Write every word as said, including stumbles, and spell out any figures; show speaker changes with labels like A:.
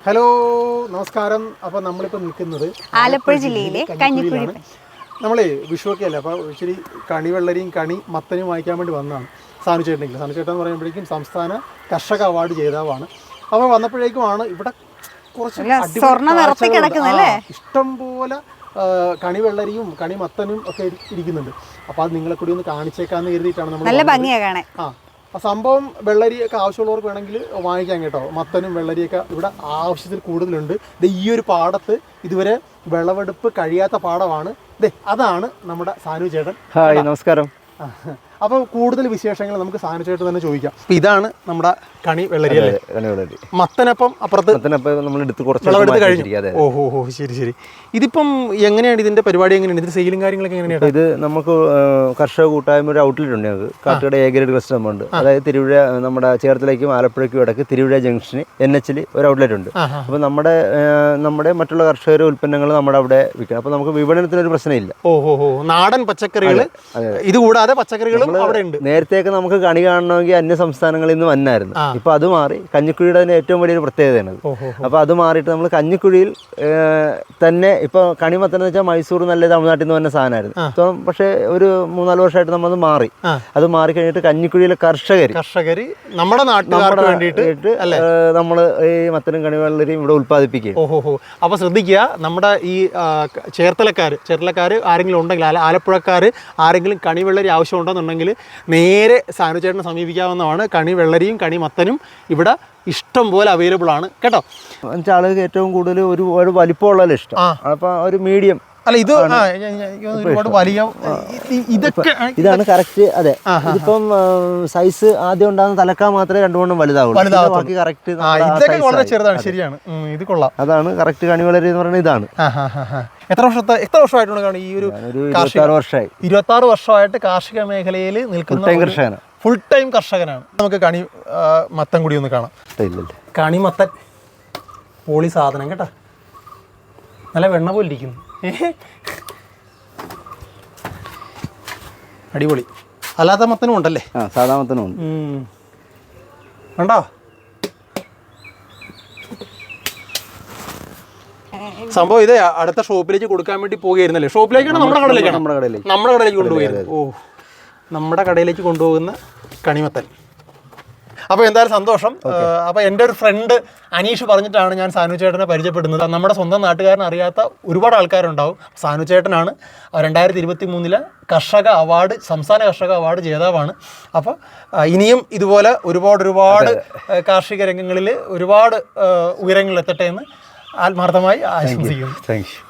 A: Hello നമസ്കാരം. അപ്പോൾ നമ്മളിപ്പോൾ നിൽക്കുന്നത്
B: ആലപ്പുഴ ജില്ലയിലെ കഞ്ഞിക്കുഴി.
A: നമ്മളെ വിഷുവൊക്കെ അല്ലേ, അപ്പോൾ ഇച്ചിരി കണി വെള്ളരിയും കണി മത്തനും വാങ്ങിക്കാൻ വേണ്ടി വന്നതാണ്. സാനു ചേട്ടനെങ്കിൽ സാനു ചേട്ടൻ എന്ന് പറയുമ്പോഴേക്കും സംസ്ഥാന കർഷക അവാർഡ് ജേതാവാണ്. അപ്പോൾ വന്നപ്പോഴേക്കുമാണ് ഇവിടെ കുറച്ച് ഇഷ്ടം പോലെ കണി വെള്ളരിയും കണി മത്തനും ഒക്കെ ഇരിക്കുന്നുണ്ട്. അപ്പോൾ അത് നിങ്ങളെ കൂടി ഒന്ന് കാണിച്ചേക്കാന്ന് കരുതിയിട്ടാണ് നമ്മൾ. ആ ആ സംഭവം വെള്ളരിയൊക്കെ ആവശ്യമുള്ളവർക്ക് വേണമെങ്കിൽ വാങ്ങിക്കാം കേട്ടോ. മത്തനും വെള്ളരിയൊക്കെ ഇവിടെ ആവശ്യത്തിൽ കൂടുതലുണ്ട്. ഈ ഒരു പാടത്ത് ഇതുവരെ വിളവെടുപ്പ് കഴിയാത്ത പാടമാണ്. ദേ അതാണ് നമ്മുടെ സാനു ചേട്ടൻ.
C: ഹായ്, നമസ്കാരം.
A: അപ്പോൾ കൂടുതൽ വിശേഷങ്ങൾ നമുക്ക് സാനു ചേട്ടൻ തന്നെ ചോദിക്കാം. ഇതാണ് നമ്മുടെ കണി വെള്ളരി അല്ലേ?
C: കണി വെള്ളരി.
A: മത്തനപ്പം അപ്പുറത്ത്
C: നമ്മൾ എടുത്ത് കുറച്ച്
A: വിളവെടുത്ത് കഴിഞ്ഞു. ഓഹോ ഹോ ശരി ശരി. ഇതിപ്പം എങ്ങനെയാണ് ഇതിന്റെ പരിപാടി? എങ്ങനെയാണ് ഇതിന്റെ സെയിലും കാര്യങ്ങളൊക്കെ എങ്ങനെയാണ്?
C: ഇത് നമുക്ക് കർഷക കൂട്ടായ്മ ഒരു ഔട്ട്ലെറ്റ് ഉണ്ട് ഞങ്ങൾക്ക്. കാട്ടുകട എ ഗ്രേഡ് കസ്റ്റമർ ഉണ്ട്. അതായത് തിരുവിഴ നമ്മുടെ ചേർത്തലയ്ക്കും ആലപ്പുഴയ്ക്കും ഇടയ്ക്ക് തിരുവിഴ ജംഗ്ഷന് എൻ എച്ചിൽ ഒരു ഔട്ട്ലെറ്റ് ഉണ്ട്. അപ്പോൾ നമ്മുടെ നമ്മുടെ മറ്റുള്ള കർഷകരുടെ ഉൽപ്പന്നങ്ങൾ നമ്മുടെ അവിടെ വിൽക്കണം. അപ്പോൾ നമുക്ക് വിപണനത്തിനൊരു പ്രശ്നമില്ല.
A: ഓഹോ ഹോ നാടൻ പച്ചക്കറികൾ ഇത് കൂടാതെ പച്ചക്കറികളും അവിടെ ഉണ്ട്.
C: നേരത്തെയൊക്കെ നമുക്ക് കണി കാണണമെങ്കിൽ അന്യ സംസ്ഥാനങ്ങളിൽ നിന്ന് വന്നായിരുന്നു. ഇപ്പൊ അത് മാറി. കഞ്ഞിക്കുഴിയുടെ തന്നെ ഏറ്റവും വലിയൊരു പ്രത്യേകതയാണ്. അപ്പൊ അത് മാറിയിട്ട് നമ്മൾ കഞ്ഞിക്കുഴിയിൽ തന്നെ ഇപ്പൊ കണിമത്തൻ വെച്ചാൽ മൈസൂർ നല്ല തമിഴ്നാട്ടിൽ നിന്ന് വന്ന സാധനമായിരുന്നു. ഇപ്പം പക്ഷേ ഒരു മൂന്നാല് വർഷമായിട്ട് നമ്മൾ മാറി. അത് മാറി കഴിഞ്ഞിട്ട് കഞ്ഞിക്കുഴിയിലെ കർഷകർ
A: കർഷകർ നമ്മുടെ നാട്ടുകാർക്ക് വേണ്ടിയിട്ട്
C: നമ്മൾ ഈ മത്തനും കണിവെള്ളരിയും ഇവിടെ ഉത്പാദിപ്പിക്കുക.
A: ഓഹോ. അപ്പൊ ശ്രദ്ധിക്കുക, നമ്മുടെ ഈ ചേർത്തലക്കാർ ചേർത്തലക്കാർ ആരെങ്കിലും ഉണ്ടെങ്കിൽ, ആലപ്പുഴക്കാർ ആരെങ്കിലും കണിവെള്ളരി ആവശ്യമുണ്ടെന്നുണ്ടെങ്കിൽ നേരെ സാനു ചേട്ടനെ സമീപിക്കാവുന്നതാണ്. കണി വെള്ളരിയും കണി മത്തനും ഇവിടെ ഇഷ്ടം പോലെ അവൈലബിൾ ആണ് കേട്ടോ.
C: ആളുകൾക്ക് ഏറ്റവും കൂടുതൽ ഒരു ഒരു വലിപ്പമുള്ള ഇഷ്ടം. അപ്പൊ ഒരു മീഡിയം
A: അല്ല ഇത് ഒരുപാട് വലിയ ഇതൊക്കെ
C: ഇതാണ് കറക്റ്റ്. അതെ, ഇതിപ്പം സൈസ് ആദ്യം ഉണ്ടാകുന്ന തലക്കാൻ മാത്രമേ രണ്ടുകൊണ്ടും വലുതാവുള്ളൂ. ബാക്കി കറക്റ്റ്
A: ഇതൊക്കെ വളരെ ചെറുതാണ്. ശരിയാണ്, ഇത് കൊള്ളാം.
C: അതാണ് കറക്റ്റ് കണിവെള്ളരി എന്ന് പറയുന്നത്. ഇതാണ്.
A: എത്ര വർഷത്തെ എത്ര വർഷമായിട്ടുണ്ട് ഈ ഒരു
C: വർഷമായി
A: ഇരുപത്തി ആറ് വർഷമായിട്ട് കാർഷിക മേഖലയിൽ നിൽക്കുന്ന
C: കർഷകനാണ്.
A: ഫുൾ ടൈം കർഷകനാണ്. നമുക്ക് കണി മത്തൻ കൂടി ഒന്ന് കാണാം. കണി മത്തൻ പോളി സാധനം കേട്ടോ, നല്ല വെണ്ണ പോലെ ഇരിക്കുന്നു. അടിപൊളി. അല്ലാത്ത മത്തനും ഉണ്ടല്ലേ?
C: ആ, സാധാ മത്തനും ഉണ്ട്.
A: ഉണ്ടോ? സംഭവം ഇതേ അടുത്ത ഷോപ്പിലേക്ക് കൊടുക്കാൻ വേണ്ടി പോകുകയായിരുന്നല്ലേ? ഷോപ്പിലേക്കാണ് നമ്മുടെ കടയിലേക്കാണ്
C: നമ്മുടെ കടയിലേക്ക്
A: നമ്മുടെ കടയിലേക്ക് കൊണ്ടുപോയത്. ഓ, നമ്മുടെ കടയിലേക്ക് കൊണ്ടുപോകുന്ന കണിമത്തൻ. അപ്പോൾ എന്തായാലും സന്തോഷം. അപ്പോൾ എൻ്റെ ഒരു ഫ്രണ്ട് അനീഷ് പറഞ്ഞിട്ടാണ് ഞാൻ സാനു ചേട്ടനെ പരിചയപ്പെടുന്നത്. നമ്മുടെ സ്വന്തം നാട്ടുകാരൻ അറിയാത്ത ഒരുപാട് ആൾക്കാരുണ്ടാവും. സാനു ചേട്ടനാണ് രണ്ടായിരത്തി ഇരുപത്തി മൂന്നിലെ കർഷക അവാർഡ് സംസ്ഥാന കർഷക അവാർഡ് ജേതാവാണ്. അപ്പോൾ ഇനിയും ഇതുപോലെ ഒരുപാട് ഒരുപാട് കാർഷിക രംഗങ്ങളിൽ ഒരുപാട് ഉയരങ്ങളിൽ എത്തട്ടെ എന്ന് ആത്മാർത്ഥമായി ആശംസിക്കുന്നു.
C: Thank U.